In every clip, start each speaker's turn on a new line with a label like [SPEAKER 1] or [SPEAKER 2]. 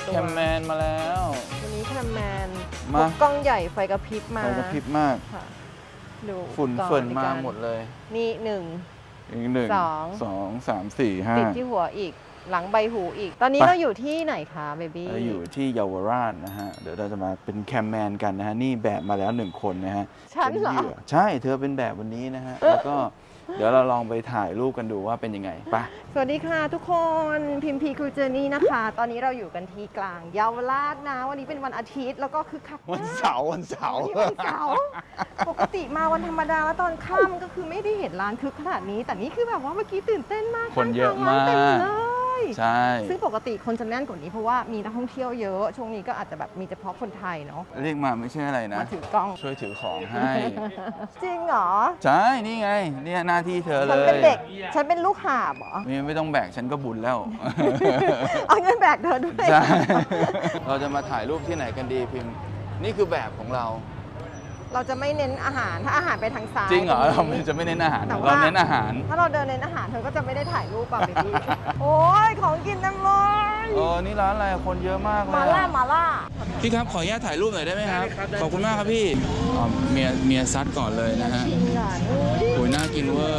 [SPEAKER 1] แคมแมนมาแล้ว
[SPEAKER 2] วันนี้แคมแมน
[SPEAKER 1] มา
[SPEAKER 2] กล้องใหญ่ไฟกระพริบมา
[SPEAKER 1] ไฟกระพริบมาก
[SPEAKER 2] ค่ะดู
[SPEAKER 1] ฝุ่น
[SPEAKER 2] อุปกรณ์
[SPEAKER 1] เฟิ่น
[SPEAKER 2] ใน
[SPEAKER 1] มา
[SPEAKER 2] การ
[SPEAKER 1] หมดเลย
[SPEAKER 2] นี่หนึ่ง
[SPEAKER 1] อีกหนึ่ง
[SPEAKER 2] สอง
[SPEAKER 1] สองสามสี่ห้า
[SPEAKER 2] ติดที่หัวอีกหลังใบหูอีก ตอนนี้
[SPEAKER 1] ไป
[SPEAKER 2] เราอยู่ที่ไหนคะเบบี้
[SPEAKER 1] เราอยู่ที่เยาวราชนะฮะ เดี๋ยวเราจะมาเป็นแคมแมนกันนะฮะ นี่แบบมาแล้ว1คนนะฮะ
[SPEAKER 2] ฉันเหรอ
[SPEAKER 1] ป็ยื่ใช่เธอเป็นแบบวันนี้นะฮะ แล้วก็เดี๋ยวเราลองไปถ่ายรูปกันดูว่าเป็นยังไงไป
[SPEAKER 2] สวัสดีค่ะทุกคนพิมพีครูเจอร์นี่นะคะ ตอนนี้เราอยู่กันที่กลางเยาวราชนะ วันนี้เป็นวันอาทิตย์แล้วก็คือคักมาก
[SPEAKER 1] วันเสาร์วันเสาร์
[SPEAKER 2] วันนี้วันเสาร์ปกติมาวันธรรมดาแล้วตอนค่ำก็คือไม่ได้เห็นร้านคึกขนาดนี้ แต่นี่คือแบบว่าเมื่อกี้ตื่นเต้นมาก
[SPEAKER 1] คนเยอะมาก
[SPEAKER 2] เต็มเลย
[SPEAKER 1] ใช่
[SPEAKER 2] ซึ่งปกติคนจะแน่นกว่านี้เพราะว่ามีนักท่องเที่ยวเยอะ ช่วงนี้ก็อาจจะแบบมีเฉพาะคนไทยเนาะ
[SPEAKER 1] เรียกมาไม่ใช่อะไรนะ
[SPEAKER 2] มาถือกล้อง
[SPEAKER 1] ช่วยถือของให้
[SPEAKER 2] จริงเหรอ
[SPEAKER 1] ใช่ นี่ไง เนี่ยหน้าที่เธอเล
[SPEAKER 2] ฉัน
[SPEAKER 1] ย
[SPEAKER 2] เป็นเด็ก ฉันเป็นลูกหาบเหรอ
[SPEAKER 1] ไม่ต้องแบกฉันก็บุญแล้ว
[SPEAKER 2] เอาเงินแบกเธอด้วย
[SPEAKER 1] ใช่ เราจะมาถ่ายรูปที่ไหนกันดีพิมพ์ นี่คือแบบของเรา
[SPEAKER 2] เราจะไม่เน้นอาหาร ถ้าอาหารไปทางซ้าย
[SPEAKER 1] จริงเหรอ
[SPEAKER 2] ต
[SPEAKER 1] เรา
[SPEAKER 2] นี้
[SPEAKER 1] จะไม่เน้นอาหาร
[SPEAKER 2] แต่ว่า
[SPEAKER 1] เราเน้นอาหาร
[SPEAKER 2] ถ้าเราเดินเน้นอาหารเธอก็จะไม่ได้ถ่ายรูปป่ะเบบี้ โอ้ยของกินเต็มเลย
[SPEAKER 1] นี่ร้านอะไรคนเยอะมากเลย
[SPEAKER 2] มาล่ามาล่า
[SPEAKER 1] พี่ครับขออนุญาตถ่ายรูปหน่อยได้ไหมครับ ขอบคุณมากครับพี่เมียซัดก่อนเลยนะฮะ
[SPEAKER 2] จริงอ่ะดูดิ
[SPEAKER 1] โอ้ยน่ากินเวอร์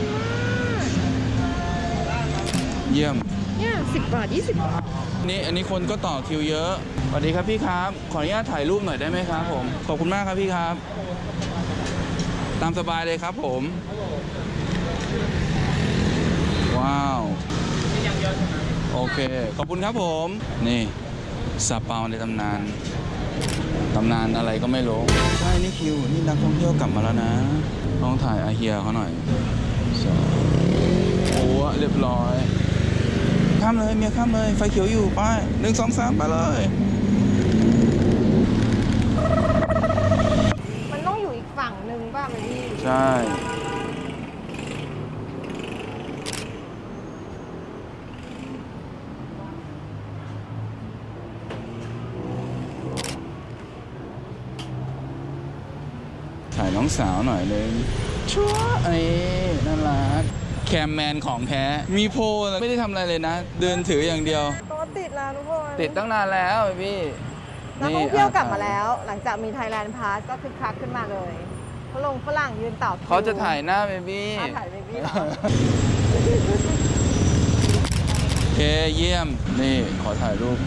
[SPEAKER 1] เยี่ยม
[SPEAKER 2] เนี่ย10 บาท 20 บาท
[SPEAKER 1] นี่อันนี้คนก็ต่อคิวเยอะสวัสดีครับพี่ครับ ขออนุญาตถ่ายรูปหน่อยได้ไหมครับผม ขอบคุณมากครับพี่ครับ ตามสบายเลยครับผม ว้าว โอเค ขอบคุณครับผม นี่ซาเปาในตำนาน ตำนานอะไรก็ไม่รู้ ใช่นี่คิว นี่นักท่องเที่ยวกลับมาแล้วนะต้องถ่ายอาเฮียเขาหน่อยโอ้เรียบร้อย ข้ามเลยเมียข้ามเลย ไฟเขียวอยู่ไป1 2 3ไปเลย
[SPEAKER 2] มันต้องอยู่อีกฝั่งหนึ่งป่ะเบบี้
[SPEAKER 1] ใช่ถ่ายน้องสาวหน่อยนึงชัวไอ้น่ารักแคมแมนของแท้ มีโพลไม่ได้ทำอะไรเลยนะ เดินถืออย่างเดียว
[SPEAKER 2] ตัวติดแล้วทุกคน
[SPEAKER 1] ติดตั้งนานแล้วพี่
[SPEAKER 2] นักท่องเที่ยวกลับมาแล้ว หลังจากมี Thailand Pass ก็คึกคักขึ้นมาเลยฝรั่งยืนต่อคิว
[SPEAKER 1] เขาจะถ่ายหน้าเบบี้
[SPEAKER 2] ถ่ายเบบี้เหรอ
[SPEAKER 1] โอเคเยี่ยม นี่ขอถ่ายรูป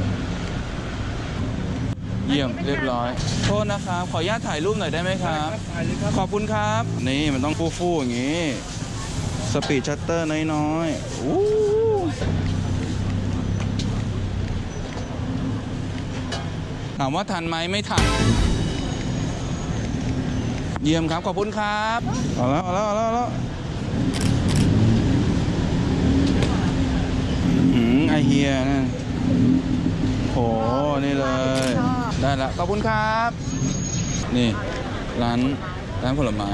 [SPEAKER 1] เยี่ยมเรียบร้อย โทษนะครับ ขออนุญาตถ่ายรูปหน่อยได้ไหมครับ ขอบคุณครับ นี่มันต้องฟู่ๆอย่างนี้ สปีดชัตเตอร์น้อยๆอู้ถามว่าทันไหมไม่ทัน เยี่ยมครับ ขอบคุณครับเอาแล้วไอเฮียนั่นโห นี่เลย ได้แล้วขอบคุณครับ นี่ร้านผลไม้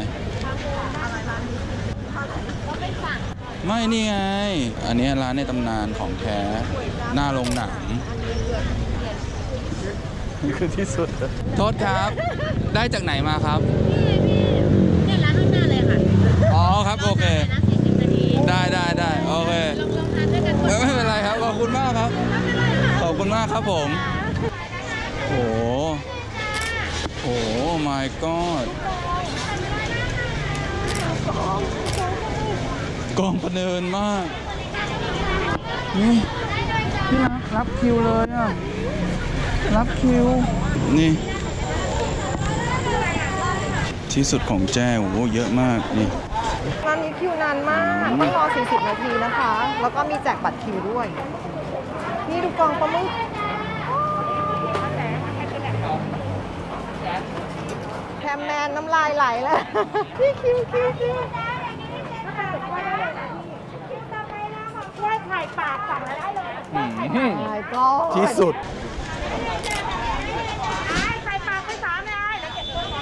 [SPEAKER 1] ไม่นี่ไง อันนี้ร้านในตำนานของแท้ หน้าโรงหนังนี่คือที่สุด โทษครับ ได้จากไหนมาครับ
[SPEAKER 3] เนี่ยร้านข้างหน้าเลยค่ะ
[SPEAKER 1] อ๋อครับ โอเค
[SPEAKER 3] นะ40 นาที
[SPEAKER 1] ได้โอเค
[SPEAKER 3] ลองทานด้วยกัน
[SPEAKER 1] ไม่เป็นไรครับ ขอบคุณมากครับ ขอบคุณมากครับผม โอ้โห my god กองพะเนินมาก นี่พี่รับคิวเลยอ่ะ รับคิว นี่ ที่สุดของแจ้โอ้โหเยอะมากนี่
[SPEAKER 2] ร้านนี้คิวนานมากต้องรอ 40 นาทีนะคะ แล้วก็มีแจกบัตรคิวด้วย นี่ดูกองปลาหมึกแคมแมนน้ำลายไหลแล้ว นี่คิว
[SPEAKER 3] ช่วยถ่ายปากสั่งแล้วได้เลย
[SPEAKER 2] my god
[SPEAKER 1] ที่สุด
[SPEAKER 3] ถ่ายปากไป3เลยแล้วเก็บตัวไว้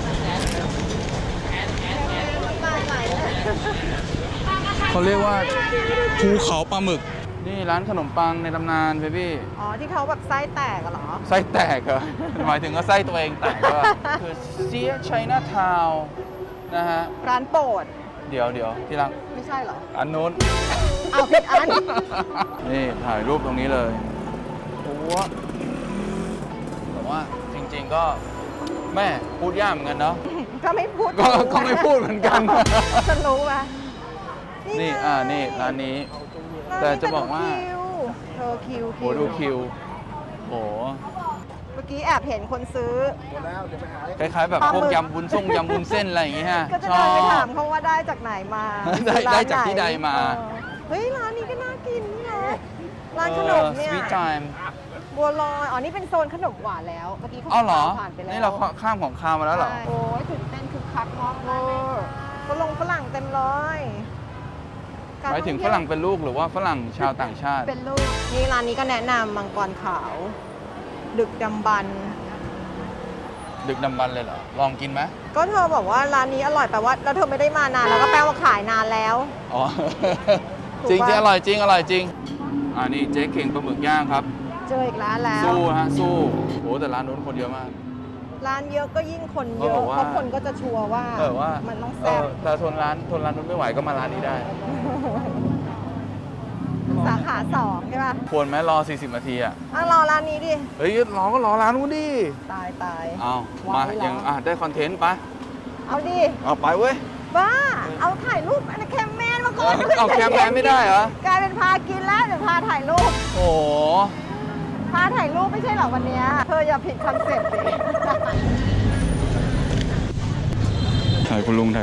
[SPEAKER 2] น้ำลายไหลแล้ว
[SPEAKER 1] เขาเรียกว่าภูเขาปลาหมึก นี่ร้านขนมปังในตำนานเบบี้
[SPEAKER 2] อ๋อ ที่เขาแบบไส้แตกอะเหรอ
[SPEAKER 1] ไส้แตกเหรอ หมายถึงว่าไส้ตัวเองแตกก็ คือเซียไชน่าทาวนะฮะ
[SPEAKER 2] ร้านโปรด
[SPEAKER 1] เดี๋ยวที่รัก
[SPEAKER 2] ไม่ใช่เหรอ
[SPEAKER 1] อันนู้น
[SPEAKER 2] เอาผิดอัน
[SPEAKER 1] นี่ถ่ายรูปตรงนี้เลย โอ้โหวแต่ว่าจริงๆก็แม่พูดยากเหมือนกันเนาะ
[SPEAKER 2] ก็ไม่พูด
[SPEAKER 1] ก็ไม่พูดเหมือนกัน
[SPEAKER 2] ฉันรู้ปะ
[SPEAKER 1] นี่
[SPEAKER 2] ไง
[SPEAKER 1] นี่ร้านนี้
[SPEAKER 2] ร้นนี้
[SPEAKER 1] แต่จะบอกว่า
[SPEAKER 2] เธอคิว
[SPEAKER 1] โหดูคิวโห
[SPEAKER 2] เมื่อกี้แอบเห็นคนซื้อ
[SPEAKER 1] คล้ายๆแบบพวกยำวุ้นส้มยำวุ้นเส้นอะไรอย่างงี้ฮะ
[SPEAKER 2] ก็จะ
[SPEAKER 1] ชอ
[SPEAKER 2] เดินไป
[SPEAKER 1] บ
[SPEAKER 2] ถามเขาว่าได้จากไหนมา
[SPEAKER 1] ได้จากที่ใดมา
[SPEAKER 2] เฮ้ยร้านนี้ก็น่ากินนี่นะร้านขนมเนี่ย
[SPEAKER 1] สวีทไทม์
[SPEAKER 2] บัวลอยอ๋อนี่เป็นโซนขนมหวานแล้วเมื่อกี้เขา
[SPEAKER 1] อ้าวเหรอ
[SPEAKER 2] ผ่านไปแล้ว
[SPEAKER 1] นี่เราข้ามของคาวมาแล้วเหรอ
[SPEAKER 2] ใช่โอ้ยตื่นเต้นคือคักมากเลยฝรั่งเต็มเลยก
[SPEAKER 1] หมายถึงฝรั่งเป็นลูกหรือว่าฝรั่งชาวต่างชาติ
[SPEAKER 2] เป็นลูกนี่ร้านนี้ก็แนะนำมังกรขาว ดึกดำบรรพ์
[SPEAKER 1] ดึกดำบรรพ์เลยเหรอ ลองกินไหม
[SPEAKER 2] ก็เธอบอกว่าร้านนี้อร่อยแปลว่าแล้วเธอไม่ได้มานานแล้วก็แปลว่าขายนานแล้ว
[SPEAKER 1] อ๋อ
[SPEAKER 2] ถูก
[SPEAKER 1] จริง
[SPEAKER 2] ปะ
[SPEAKER 1] จริงอร่อยจริงอร่อยจริงนี่เจ๊เข่งปลาหมึกย่างครับ
[SPEAKER 2] เจออีกร้านแล้ว
[SPEAKER 1] สู้ฮะสู้โหแต่ร้านนู้นคนเยอะมาก
[SPEAKER 2] ร้านเยอะก็ยิ่งคนเย
[SPEAKER 1] เขาบ
[SPEAKER 2] อะ
[SPEAKER 1] อกว่า
[SPEAKER 2] เพราะคนก็จะชัวร์ว่า
[SPEAKER 1] ว่า
[SPEAKER 2] มันต้องแซ่บ
[SPEAKER 1] แต่ทนร้านนู้นไม่ไหวก็มาร้านนี้ได้
[SPEAKER 2] สาขา2ใช่ป่ะ
[SPEAKER 1] ควรไหมรอ 40 นาทีอ่ะ
[SPEAKER 2] รอร้านนี้ดิ
[SPEAKER 1] เฮ้ยรอก็รอร้านนู้นดิ
[SPEAKER 2] ตายตาย
[SPEAKER 1] เอา
[SPEAKER 2] วาง
[SPEAKER 1] มา
[SPEAKER 2] ไว้รอ
[SPEAKER 1] ยังได้คอนเทนต์ปะ
[SPEAKER 2] เอาดิ
[SPEAKER 1] เอาไปเว้ย
[SPEAKER 2] บ้า เอาถ่ายรูปอันนนแคมแมนมาก่อน
[SPEAKER 1] เอาแคมแมนไม่ได้เหรอ
[SPEAKER 2] กลายเป็นพากินแล้วเดี๋ยวพาถ่ายรูป
[SPEAKER 1] โอ้โห
[SPEAKER 2] พาถ่ายรูปไม่ใช่เหรอวันเนี้ยเธออย่าผิดคอนเซ็ปต์ดิ
[SPEAKER 1] ถ่ายคุณลุง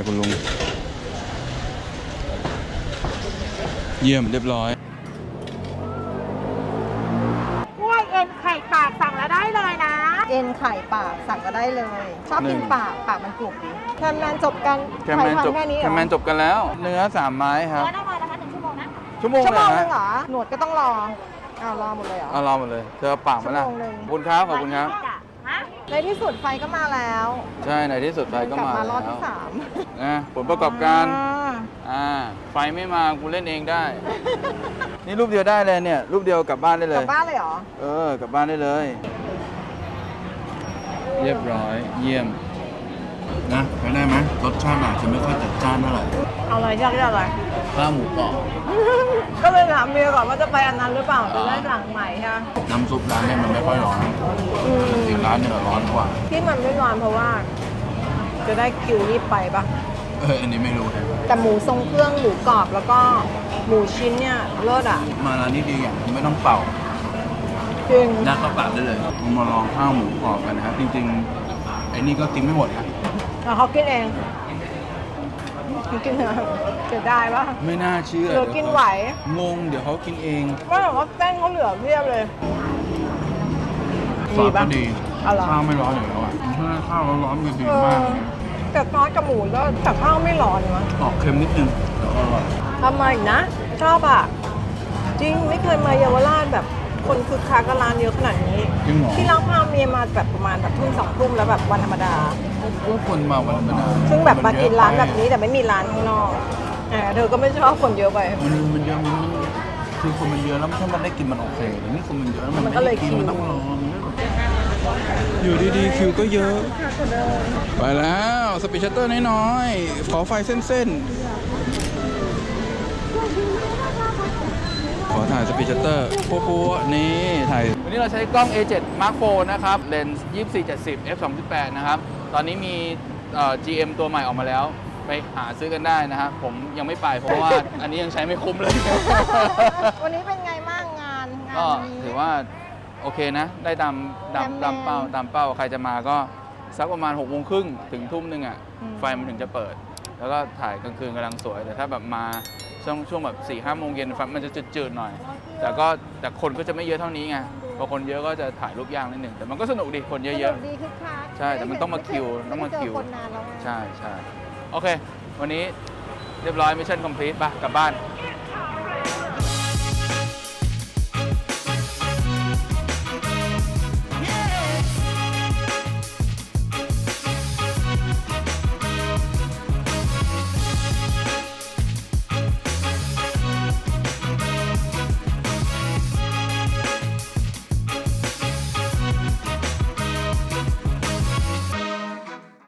[SPEAKER 1] เยี่ยมเรียบร้อย
[SPEAKER 3] กล้วยเอ็นไข่ปากสั่งแล้วได้เลยนะ
[SPEAKER 2] เอ็นไข่ปากสั่งก็ได้เลย ชอบกิน
[SPEAKER 1] 1
[SPEAKER 2] ปากมันกรุบดีแคมแมนจบกัน
[SPEAKER 1] แคมแมนจบ
[SPEAKER 2] แค่นี้เหร
[SPEAKER 1] แค
[SPEAKER 2] อ
[SPEAKER 1] มแมนจบกันแล้ว เนื้อ 3 ไม้ครับ
[SPEAKER 3] แล้วได้มานะคะ1 ชั่วโมงนะ
[SPEAKER 1] ชั่วโมง
[SPEAKER 2] ชั่ว
[SPEAKER 1] เล
[SPEAKER 2] โม
[SPEAKER 1] ย
[SPEAKER 2] งนึ
[SPEAKER 1] ฮะ
[SPEAKER 2] งเหรอ หนวดก็ต้องรอเอารอหมดเลยเหรอ
[SPEAKER 1] เอารอหมดเลย เธอเอาปากมาละ
[SPEAKER 2] ชั่วโมงหนึ่ง
[SPEAKER 1] ขอบคุณครับขอบคุณครับ
[SPEAKER 3] ฮะ
[SPEAKER 2] ในที่สุดไฟก็มาแล้ว
[SPEAKER 1] ใช่ในที่สุดไฟก็
[SPEAKER 2] กลับ
[SPEAKER 1] มาม
[SPEAKER 2] ารอบ
[SPEAKER 1] แล้ว
[SPEAKER 2] ที่สาม
[SPEAKER 1] นะผลประกอบการ
[SPEAKER 2] อ่า
[SPEAKER 1] ไฟไม่มากูเล่นเองได้ นี่รูปเดียวได้เลยเนี่ย รูปเดียวกลับบ้านได้เล
[SPEAKER 2] กลั
[SPEAKER 1] ย
[SPEAKER 2] บบ้านเลยเหรอ
[SPEAKER 1] กลับบ้านได้เลย เรียบร้อย เยี่ยม นะไปได้ไหมรสชาติอาจจะไม่ค่อยจัดจ้านเท่าไหร่
[SPEAKER 2] เอาอะไรยากอะไร
[SPEAKER 1] ข้าวหมูกรอบ
[SPEAKER 2] ก็เลยถามเมียก่อนว่าจะไปอันนั้นหรือเปล่าจะได้สั่งใหม่ใช่ไหม
[SPEAKER 1] น้ำซุปร้านเนี่ยมันไม่ค่อยร้อนอีกร้านเนี่ยร้อนกว่า
[SPEAKER 2] ที่มันไม่ร้อนเพราะว่า จะได้คิวรีบไปปะ
[SPEAKER 1] อันนี้ไม่รู้เลย
[SPEAKER 2] แต่หมูทรงเครื่องหมูกรอบแล้วก็หมูชิ้นเนี่ยเลิศอ่ะ
[SPEAKER 1] มาร้านนี้ดีอย่างไม่ต้องเป่า
[SPEAKER 2] จริง
[SPEAKER 1] ยัดเข้าปากได้เลยมาลองข้าวหมูกรอบกันนะครับ จริงๆไอ้นี่ก็กินไม่หมดครับ
[SPEAKER 2] แล้วเขากินเองกินเหรอจะได้ปะ
[SPEAKER 1] ไม่น่าเชื่อ
[SPEAKER 2] หรือกินไหว
[SPEAKER 1] งงเดี๋ยวเขากินเอง
[SPEAKER 2] ว่าแต่ว่าเส้นเขาเหลือเพียบเลย
[SPEAKER 1] ซอสก็ดี
[SPEAKER 2] เอาเหรอ
[SPEAKER 1] ข้าวไม่ร้อนอยู่แล้วอ่ะถ้าข้าวร้อนๆก็ดีมากเลย
[SPEAKER 2] แต่ซอสกับหมูแล้วแต่ข้าวไม่ร้อนวะ
[SPEAKER 1] ออกเค็มนิดนึงแต่อร่อย
[SPEAKER 2] ทำมาอีกนะ ชอบอ่ะ จริงไม่เคยมาเยาวราชแบบคนคือคักกับร้านเยอะขนาดนี้
[SPEAKER 1] จริงเหรอ
[SPEAKER 2] ที่เราพาเมียมาแบบประมาณแบบทุ่ม2 ทุ่มแล้วแบบวันธรรมดา
[SPEAKER 1] พวกคนมาวันธรรมดา
[SPEAKER 2] ซึ่งแบบมากินร้านแบบนี้แต่ไม่มีร้านข้างนอกเธอก็ไม่ชอบคนเยอะไป
[SPEAKER 1] มันเยอะมันคือคนมันเยอะแล้วถ้ามันได้กินมันโอเคแต่นี่คนมันเยอะแล้วมัน
[SPEAKER 2] มันก็เลย
[SPEAKER 1] ไม่ได้กิน
[SPEAKER 2] คิว
[SPEAKER 1] มันต้องรออยู่ดีๆคิวก็เยอะ ไปแล้วสปีดชัตเตอร์น้อยๆขอไฟเส้นๆขอถ่ายสปีดชัตเตอร์ปัวๆนี่ถ่ายวันนี้เราใช้กล้อง A7 Mark IV นะครับเลนส์24-70 f2.8 นะครับตอนนี้มีGM ตัวใหม่ออกมาแล้วไปหาซื้อกันได้นะครับผมยังไม่ไปเพราะว่าอันนี้ยังใช้ไม่คุ้มเลย
[SPEAKER 2] วันนี้เป็นไงบ้างงาน
[SPEAKER 1] ก็
[SPEAKER 2] นี้
[SPEAKER 1] ถือว่าโอเคนะ ได้ตาม
[SPEAKER 2] แมน
[SPEAKER 1] เป้าใครจะมาก็สักประมาณ6 โมงครึ่งถึงทุ่มหนึงอ่ะ
[SPEAKER 2] อืม
[SPEAKER 1] ไฟมันถึงจะเปิด แล้วก็ถ่ายกลางคืนกำลังสวย แต่ถ้าแบบมาช่วงแบบ4-5 โมงเย็นไฟมันจะจืดๆหน่อย แต่คนก็จะไม่เยอะเท่านี้ไงพอคนเยอะก็จะถ่ายรูปยากนิดหนึ่งแต่มันก็สนุกดีคนเย
[SPEAKER 2] ส
[SPEAKER 1] อะ
[SPEAKER 2] นุกดีคึกคัก
[SPEAKER 1] ใช่แต่มันต้องมาคิวต้องมาคิว
[SPEAKER 2] ไได้เจอคนนานแล้วไง
[SPEAKER 1] ๆ ใช่โอเค วันนี้เรียบร้อยมิชชั่นคอมพลีทป่ะกลับบ้าน